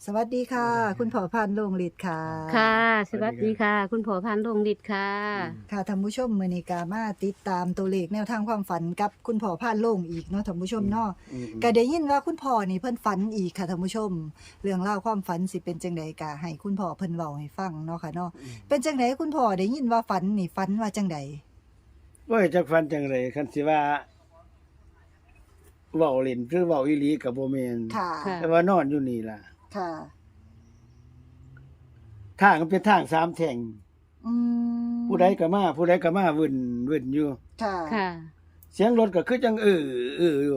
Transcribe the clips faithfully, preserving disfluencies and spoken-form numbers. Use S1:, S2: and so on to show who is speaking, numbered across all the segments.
S1: สวัสดีค่ะ คุณพ่อพันธุ์โรงฤทธิ์ค่ะ
S2: ค่ะ ส
S3: สวั
S2: วั
S3: ส
S2: ส
S3: ดี
S2: ดี
S3: ครั
S2: ค่ะ
S3: บ
S2: คุณพ่อพันธุ์ดวงฤทธิ์ค่ะ
S3: อืม
S1: ค่ะท่านผู้ชมมื้อนี้ก็มาติดตามตัวเลขแนวทางความฝันกับคุณพ่อพานโรงอีกเนาะท่านผู้ชมเนาะ
S3: อืม
S1: ก็ได้ยินว่าคุณพ่อนี่เพิ่นฝันอีกค่ะท่านผู้ชม เรื่องราวความฝันสิเป็นจังใดก็ให้คุณพ่อเพิ่นเว้าให้ฟังเนาะค่ะเนาะ
S3: อืม
S1: เป็นจังไดคุณพ่อได้ยินว่าฝันนี่ฝันว่าจังใด
S3: โอ้ยจักฟันจังไรคันสิว่าเว้าเล่นหรือเว้าอีหลีก็บ่แม่น
S1: ค่ะ
S2: ค่ะ
S3: แต่ว่านอนอยู่นี่ล่ะ
S1: ค่ะ
S3: ทางมันเป็นทางสามแท่ง
S1: อืม
S3: ผู้ใดก็มาผู้ใดก็มาวุ่นวุ่นอยู่
S1: ค่ะ
S2: ค่ะ
S3: เสียงรถก็คือจังเออเอออยู่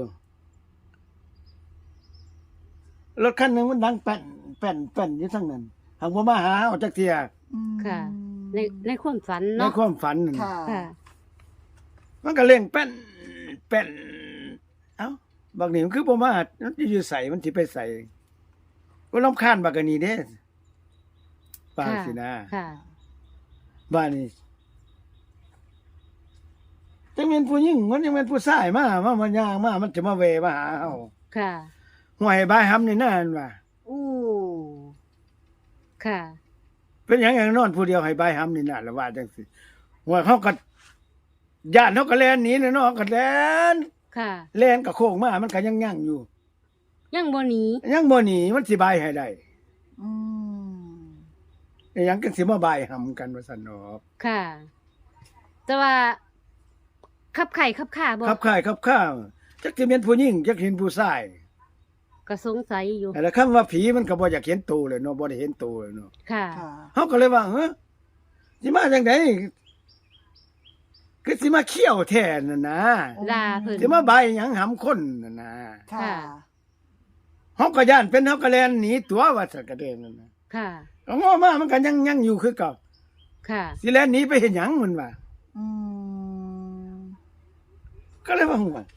S3: รถคันหนึงมันดังแป้นแป้นแป้นอยู่ทั้งนั้นหังบ่มาหาเอาจักเที่ย
S1: อืม
S2: ค่ะ ในในความฝัน
S3: ใน
S2: เนาะ
S3: ความฝันนั่น
S1: ค่ะ
S2: ค่ะ
S3: มันก็เร่งแป้นแป้นเอ้าบักนี่มันคือบ่มามันสิอยู่ไสมันสิไปไสก็รำคาญบักอันนี้เด้ปานสินะ
S2: ค่ะ
S3: บ้านนี้จังแม่นผู้หญิงมันจังแม่นผู้ชายมามามันย่างมามันจะมาแวะมาหาเฮา
S2: ค่ะ
S3: ห้วยบายหำนี่นั่นว่า
S1: อู้
S2: ค่ะ
S3: เป็นหยังอย่างนอนผู้เดียวให้บายหำนี่นั่นละว่าจังซี่ห้วยเขาก็ญาติเขาก็แล่นหนีเนาะก็แล่น
S2: ค่ะ
S3: แล่นก็โค้งมามันก็ยังยั่งอยู่
S2: ยังบ่หนี
S3: ยังบ่หนีมันสิบายให้ได้
S1: อืม
S3: แต่หยังก็สิมาบายหำกันว่าซั่นเนาะ
S2: ค่ะ แต่ว่าขับไข่ขับข่าบ่
S3: ครับค่ายครับข้าวจักสิแม่นผู้หญิงจักเห็นผู้ชาย
S2: ก็สงสัยอยู่
S3: แต่ละคำว่าผีมันก็บ่อยากเห็นตัวเลยเนาะบ่ได้เห็นตัวเลยเนาะ
S2: ค่ะ
S1: ค่ะ
S3: เฮาก็เลยว่าเฮ้อสิมาจังไดคือสิมาเขี้ยวแท้นั่นนะ
S2: ลาเพิ่น
S3: สิมาใบายหยังหำคนนั่นนะ
S1: ค่ะ
S2: ค่ะ
S3: เฮาก็ย่านเป็นเฮาก็แล่นหนีตัวว่าซั่นก็ได้นั่นนะ
S2: ค่ะ
S3: ก็งอมามันก็ยังยังอยู่คือเก่า
S2: ค่ะ
S3: สิแล่นหนีไปเฮ็ดหยังมันว่า
S1: อืม
S3: ก็เลยว่าว่า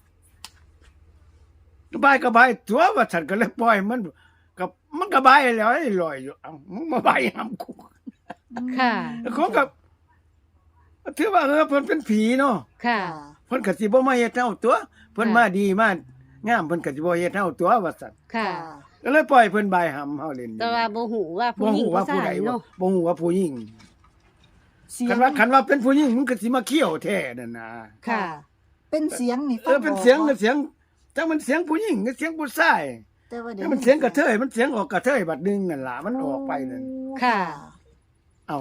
S3: บายก็บายตัวว่าซั่นก็เลยปล่อยมันก็มันก็บายแล้วไอ้ลอยอยู่เอ้ามึงมาบายหำกู
S2: ค่ะ
S3: เขาก็ถือว่าเออเพิ่นเป็นผีเนาะ
S2: ค่ะ
S3: เพิ่นก็สิบ่มาเฮ็ดเฮาตัวเพิ่นมาดีมางามเพิ่นก็สิบ่เฮ็ดเฮาตัวว่าซั่น
S2: ค่ะ
S3: ก็เลยปล่อยเพิ่นบายหำเฮาเล่นอยู่
S2: แต่ว่าบ่ฮู้ว่าผู้
S3: บ่
S2: หญิง
S3: ฮู้
S2: ผู้
S3: ว่าผู้
S2: ชา
S3: ใด
S2: ย
S3: ว่า
S2: เนาะ
S3: บ่ฮู้ว่าผู้หญิง
S1: เสีย
S3: คั
S1: ง
S3: นว่าคันว่าเป็นผู้หญิงมันก็สิมาเขี้ยวแท้นั่นน่ะ
S2: ค่ะ
S1: เป็นเสียงนี่
S3: เออเป็นเสียงก็เสียงจังมันเสียงผู้หญิงก็เสียงผู้ชาย
S1: แต่ว่า
S3: แต่มันเสียงกระเทยมันเสียงออกกระเทยบัดนึงนั่นล่ะมันออกไปนั่น
S2: ค่ะ
S3: เอา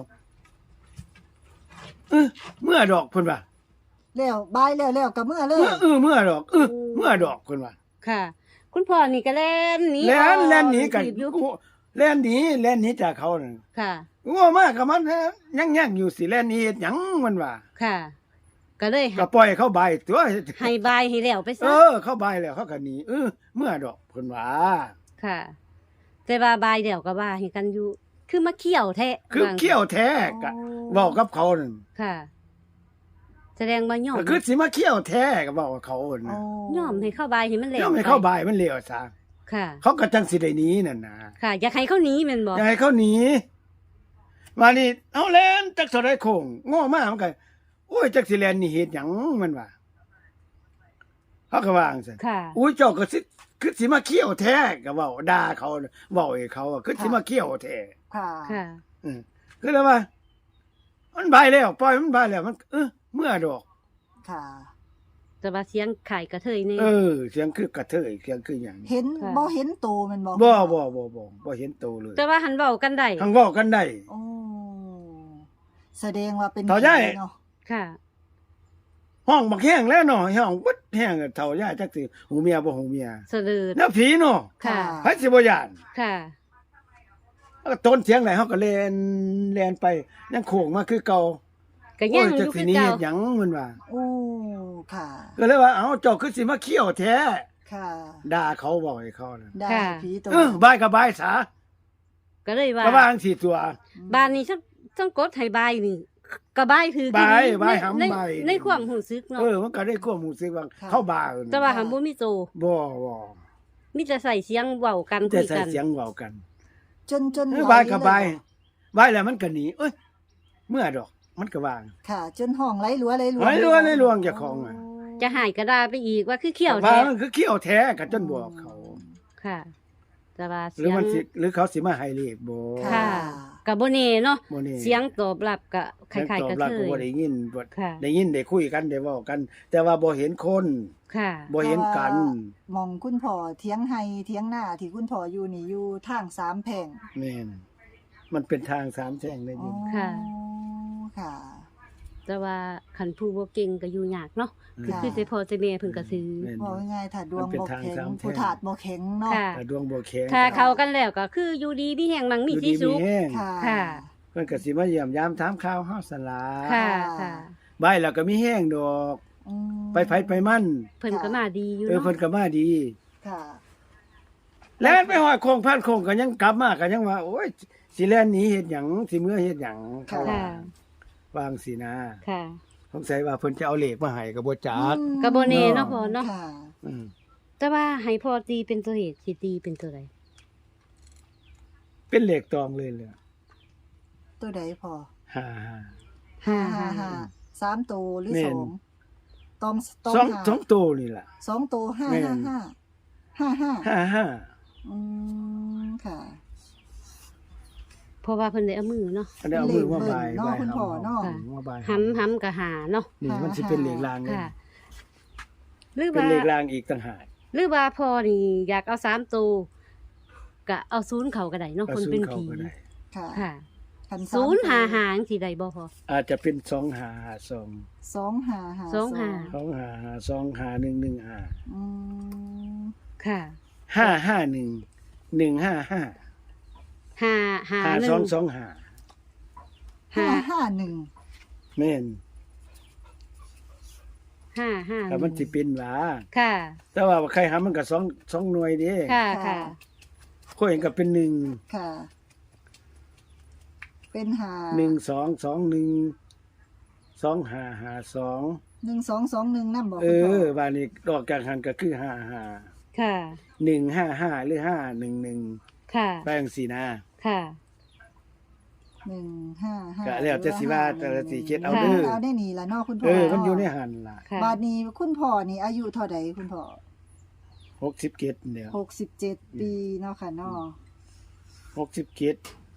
S3: เออเมื่อดอกเพิ่นว่า
S1: แล้วบายแล้วแล้วกับเมื่อเล
S3: เอย อเออเมื่อดอกเออเมื่อดอกเพิ่นว่า
S2: ค่ะ คุณพ่อนี่ก็แล่นหนี
S3: แล่นแล่นหนีกัน
S2: ถีบอยู่
S3: แล่นหนีแล่นหนีจากเขานั่น
S2: ค่ะ
S3: โง่มากกับมันยังยังอยู่สิแล่นหนีเฮ็ดหยังมันว่า
S2: ค่ะ ก็เลย
S3: ก็ปล่อยเข้าใบายตัว
S2: ให้บายให้แล้วไป
S3: เอ
S2: ซะ
S3: อ เข้าใบายแล้วเขาก็หนีเออเมื่อดอกเพิ่นว่า
S2: ค่ะ แต่ว่าบายเดี่ยวก็บายให้กันอยู่ คือมาเขี่ยวแท้
S3: คือ
S2: ว่า
S3: เขี้ยวแท้ก็เว้ากับเขานั่น
S2: ค่ะ แสดงว่าย่อม
S3: ก็คือสิมาเขี้ยวแท้ก็เว้ากับเขา
S1: อ๋อ
S3: น่ะ
S2: ย่อมให้เข้าบายให้มันแล้ว
S3: ยอมให้เข้าใบายมันเลี้ยวซะ
S2: ค่ะ
S3: เขาก็จังสิได้หนีนั่นน่ะ
S2: ค่ะ อยากให้เขาหนีแม่นบ่
S3: อยากให้เขาหนีมานี่เอาแล่นจักเท่าใดโคงโง่มากมันก็โอ้ยจักสิแล่นนี่เฮ็ดหยังมันว่าเขาก็ว่าจังซั่น
S2: ค่ะ
S3: อุ้ยเจ้าก็สิคือสิมาเขี้ยวแท้ก็เว้าด่าเขาเว้าให้เขาอะคือสิมาเขี้ยวแท้
S1: ค่ะ
S2: ค่ะ
S3: อือคือแล้วว่า มันบายแล้วปล่อยมันบายแล้วมัน เออเมื่อดอก
S1: ค่ะ
S2: แต่ว่าเสียงไข่กระเทยนี่
S3: เออ เสียงคือกระเทยเสียงคือหยัง
S1: เห็น
S2: ค่ะ
S1: บ่เห็นโตมันบ่
S3: บ่บ่บ่บ่บ่เห็นโตเลย
S2: แต่ว่าหันเว้ากันได้
S3: ทั้งเว้ากันได้
S1: โอ้แสดงว่าเป็น
S3: ต่อย้าย
S1: ผีเนาะ
S2: ค่ะ
S3: ห้องบักแห้งแล้วเนาะห้องบึดแห้งเฒ่าย่าจักสิหูเมียบ่หูเมีย
S2: สะดือ
S3: แล้วผีเนาะ
S2: ค่ะ
S3: ไผสิบ่ย่าน
S2: ค่ะ
S3: แล้วต้นเสียงไหนเฮาก็แล่นแล่นไปยังโค้งมาคือเก่า
S2: ก็
S3: โอ้
S2: ยัง
S3: ย
S2: อ
S3: จัก
S2: ยู่
S3: สิ
S2: คือ
S3: หนี้
S2: เก่า
S3: เฮ็ดหยังมันว่า
S1: โอ้ค่ะ
S3: ก็เลยว่าเอ้าเจ้าคือสิมาเขี้ยวแท้
S1: ค่ะ
S3: ด่าเขาบอกให้เขาน่ะ
S1: ได้ผีโต
S3: เออบายก็บายซะ
S2: ก็เลยว่า
S3: ก็ว่าจังซี่ตัว
S2: บ้านนี้ต้องต้องกดให้บายนี่ก็บายคือกัน
S3: บาย
S2: ใน
S3: บายหำ
S2: ใน
S3: บาย
S2: ในความรู้สึกเนาะ
S3: เออมันก็ได้ความรู้สึกว่าเข้าบาร์
S2: แต่ว่าหันบ่มีโต
S3: บ่บ่
S2: มีแต่ใส่เสียงเว้ากัน
S3: แต่
S2: คุย
S3: ใส่
S2: กัน
S3: เสียงเว้ากัน
S1: จนจน
S3: เออ
S1: ไหล
S3: บายก็บาย
S1: เลย
S3: บายแล้วมันก็หนีเอ้ยเมื่อดอกมันก็วาง
S1: ค่ะ จนห้องไหลหลัวไหลหลวง
S3: ไหลหลัวไหลหลวงเจ้าของอะ
S2: จะหายก็ได้ไปอีกว่าคือเขี้ยว
S3: ว่า
S2: แท้
S3: มันคือเขี้ยวแท้กันจนบอกเขา
S2: ค่ะแต่ว่า
S3: หรื
S2: เสี
S3: อย
S2: ง
S3: มันสิหรือเขาสิมาให้เลขบ่
S2: ค่ะ ก็บ่แน่เนาะ
S3: บ่แน่
S2: เสียงตอบรับก็ค
S3: เสียง
S2: ล้าย
S3: ตอ
S2: ๆ
S3: บ
S2: ก็
S3: รับ
S2: เค
S3: ก็
S2: ย
S3: บ่ได้ยินบ่
S2: ค่ะ
S3: ได้ยินได้คุยกันได้เว้ากัน แต่ว่าบ่เห็นคน
S2: ค่ะ
S3: บ่เห็นกัน
S1: มองคุณพ่อเถียงไห้เถียงหน้าที่คุณพ่ออยู่นี่อยู่ทางสามแพร่ง
S3: แม่นมันเป็นทางสามแฉ่งได้
S1: อ๋
S3: ยิ
S1: อน
S2: ค่ะ
S1: ค่ะ
S2: แต่ว่าคันผู้บ่เก่งก็อยู่ยากเนาะ
S1: ค่ะ
S2: คือสิพ่อสิแม่เพิ่นก็ซื้อ
S3: แม่น
S1: บอกง่ายๆถ้าดวง
S3: มันเป็น
S1: บ่
S3: ทาง
S1: แข็ง
S3: สามแพร่ง
S1: ผู้ถาดบ่แข็งเนาะ
S2: ค่ะ
S3: แต่ดวงบ่แข็ง
S2: ถ้าเข้ากันแล้วก็คืออยู่ดีมีแห่งมั่งมี
S3: อยู่
S2: ที่
S3: ดี
S2: สุ
S3: มี
S2: ข
S3: แห้ง
S1: ค่ะ
S2: ค่ะ
S3: เพิ่นก็สิมาเยี่ยมยามถามข่าวเฮาสลา
S2: ค่ะค่ะ
S3: บายแล้วก็มีแห้งดอก
S1: อืม
S3: ไปไผไปมัน
S2: เพิ่นก็มาดีอยู่
S3: เออ
S2: เนาะ
S3: เพิ่นก็มาดี
S1: ค่ะ
S3: แล้วไปหอยโคงพันโคงก็ยังกลับมาก็ยังว่า โอ้ยสิแล่นหนีเฮ็ดหยังสิเมื่อเฮ็ดหยังเขาว่า
S2: ค่ะ
S3: วางสินะ
S2: ค่ะ
S3: สงสัยว่าเพิ่นจะเอาเลขมาให้ก็บ่จัก
S1: อืม
S2: ก็บ่แน่เนาะพ่อเนาะ
S1: ค่ะ
S3: อืม
S2: แต่ว่าให้พ่อตีเป็นตัวเหตุสิตีเป็นตัวใด
S3: เป็นเลขตองเลยเลย
S1: ตัวใดพอ
S3: ฮ่า
S2: ห้า
S1: ห้า
S2: ห้า
S1: ห้าสามตัวหรือ
S3: แม่
S1: ส
S3: น
S1: องตองตอง
S3: สอง
S1: ห้า
S3: สองตัวนี่ล่ะ
S1: สองตัวห้า
S3: แม่
S1: ห้าน ห้าห้าห้า
S3: ห้าห้า
S1: อืมค่ะ
S2: เพราะว่าเพิ่นได้เอามือเนาะ
S3: อันนี้เอามือมาบาย
S1: เลขเบิ่นเนาะ
S3: บาย
S1: คุณพ่อเนาะ
S3: เฮมาบาย
S2: หำหำก็หาเนาะ
S3: นี่มันสิเป็นเลขลางเลย
S2: ค่ะ หรือ
S3: เป็น
S2: ว่า
S3: เลขลางอีกต่างหาก
S2: หรือว่าพ่อนี่อยากเอาสามตัวก็เอาศูนย์เข้าก็ได้เนาะ
S3: เอา
S2: คน
S3: ศูน
S2: เป็น
S3: ย์เข้า
S2: ผี
S3: ก็ได้
S1: ค่ะ
S2: ค่ะ
S1: คันสาม
S2: ศูนย์หา
S1: ตัว
S2: หาจังสิได้บ่พอ
S3: อาจจะเป็นสองห้าห้าสอง
S1: สองห้าห้า
S2: สองห้า
S3: สองห้าห้าสองห้าหนึ่งหนึ่งห้า
S1: อืม
S2: ค่ะ
S3: ห้าห้าหนึ่งหนึ่งห้าห้า
S2: หาหา
S3: ห้า
S2: หนึ่
S3: สอง งสองห้า
S1: ห้า
S2: หา
S1: ห้าหนึ่ง
S3: แม่น
S2: ห้าห้า
S3: แต่มันสิเป็นหว่า
S2: ค่ะ
S3: แต่ว่าใครหามันก็สองสองหน่วยเด้
S2: ค่ะค่ะ
S3: ข้อยเห็นก็เป็นหนึ่ง
S1: ค่ะ เป็นหา
S3: หนึ่งสองสองหนึ่งสองห้าห้าสอง
S1: หนึ่งสองสองหนึ่งนั่นบอก
S3: เอ
S1: คุณพ่อ
S3: อบ้านนี้ดอกกลางหันก็คือห้าห้า
S2: ค่ะ
S3: หนึ่งห้าห้าหรือห้าหนึ่งหนึ่ง
S2: ค่ะ
S3: ไปจังซี่นะ
S2: ค่ะ
S1: หนึ่งห้าห้า
S3: ก็แล้วแต่สิว่าแต่ละสิเฮ็ดเอา
S2: ค่ะ
S3: เด้อ
S1: เอาได้นี่ละเนาะคุณพ่
S3: เอ
S1: อ
S3: อมันอยู่ในหันล่ะ
S2: ค่ะ
S1: บาดนี้คุณพ่อนี่อายุเท่าใดคุณพ่อ
S3: หกสิบเจ็ดเดียว
S1: หกสิบเจ็ดปีเนาะค่ะเนาะ
S3: หกสิบเจ็ด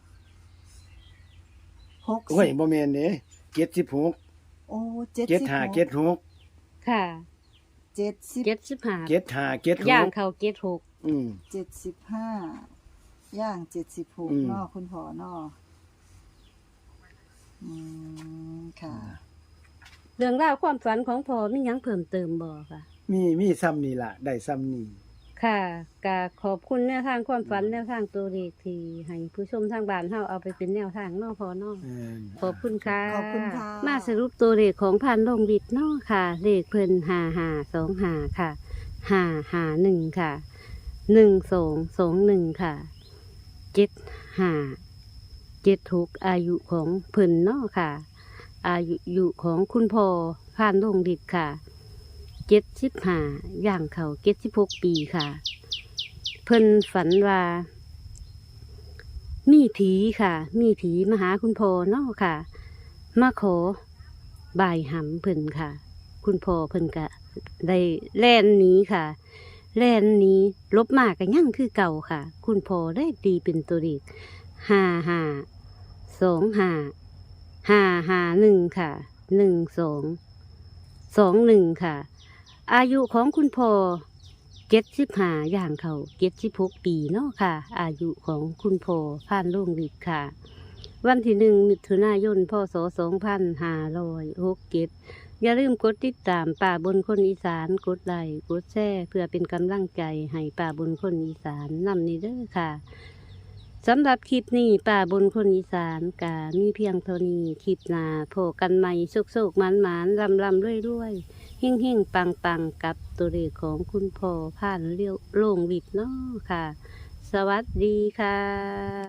S1: หก
S3: โอ้ย
S1: สิบ
S3: บ่แม่นเด้เจ็ดสิบหก
S1: โอ้เจ็ด
S3: เจ็ด
S1: สิบ
S3: ห้า
S1: หก
S3: เจ็ดหก
S2: ค่ะ
S1: เจ็ดสิบ
S2: เจ็ดสิบห้า
S3: เจ็ดห้าเจ็ดห
S2: ย่าง
S3: ก
S2: เข้าเจ็ดหก
S3: อืม
S1: เจ็ดสิบห้าย่างเจ็ดสิบหก
S3: อืม
S1: เนาะคุณพ่อเนาะอืมค่ะ
S2: เรื่องราวความฝันของพ่อมีหยังเพิ่มเติมบ่ค่ะ
S3: มีมีซ้ำนี่ล่ะ ได้ซ้ำนี่
S2: ค่ะก็ขอบคุณแนวทางความฝันแนวทางตัวเลขที่ให้ผู้ชมทางบ้านเฮาเอาไปเป็นแนวทางเนาะพ่อเนาะ
S3: เออ
S2: ขอบคุณค่ะ
S1: ขอบคุณค่ะ
S2: มาสรุปตัวเลขของพันลงวิทย์เนาะค่ะ เลขเพิ่นห้าห้าสองห้าค่ะห้าห้าหนึ่งค่ะหนึ่งสองสองหนึ่งค่ะเจ็ดห้าเจ็ดหกอายุของเพิ่นเนาะค่ะ อายุอยู่ของคุณพ่อพันลงวิทย์ค่ะเจ็ดสิบห้าย่างเขาเจ็ดสิบหกปีค่ะ เพิ่นฝันว่า มีผีค่ะ มีผีมาหาคุณพ่อเนาะค่ะ มาขอบายหำเพิ่นค่ะ คุณพ่อเพิ่นก็ได้แล่นหนี้ค่ะ แล่นหนี้ลบมากกันยั่งคือเก่าค่ะ คุณพ่อได้ดีเป็นตัวเลขห้าห้าสองห้าห้าห้าหนึ่งค่ะหนึ่งสองสองหนึ่งค่ะ อายุของคุณพ่อเจ็ดสิบห้าอย่างเขาเจ็ดสิบหกปีเนาะค่ะ อายุของคุณพ่อผ่านโรงฤทธิ์ค่ะ วันที่หนึ่งมิถุนายนพศสองพันห้าร้อยหกเจ็ดอย่าลืมกดติดตามป่าบนคนอีสานกดไลค์กดแชร์เพื่อเป็นกำลังใจให้ป่าบนคนอีสานนำนี้เด้อค่ะสำหรับคลิปนี้ป่าบนคนอีสานกามีเพียงเท่านี้คลิปหน้าโผกันใหม่โศกๆหมานๆลำลำๆรวยๆ หิ่งหิ่งปังปังกับตัวเลขของคุณพ่อผ่านเลี้ยวโล่งวิดเนาะค่ะ สวัสดีค่ะ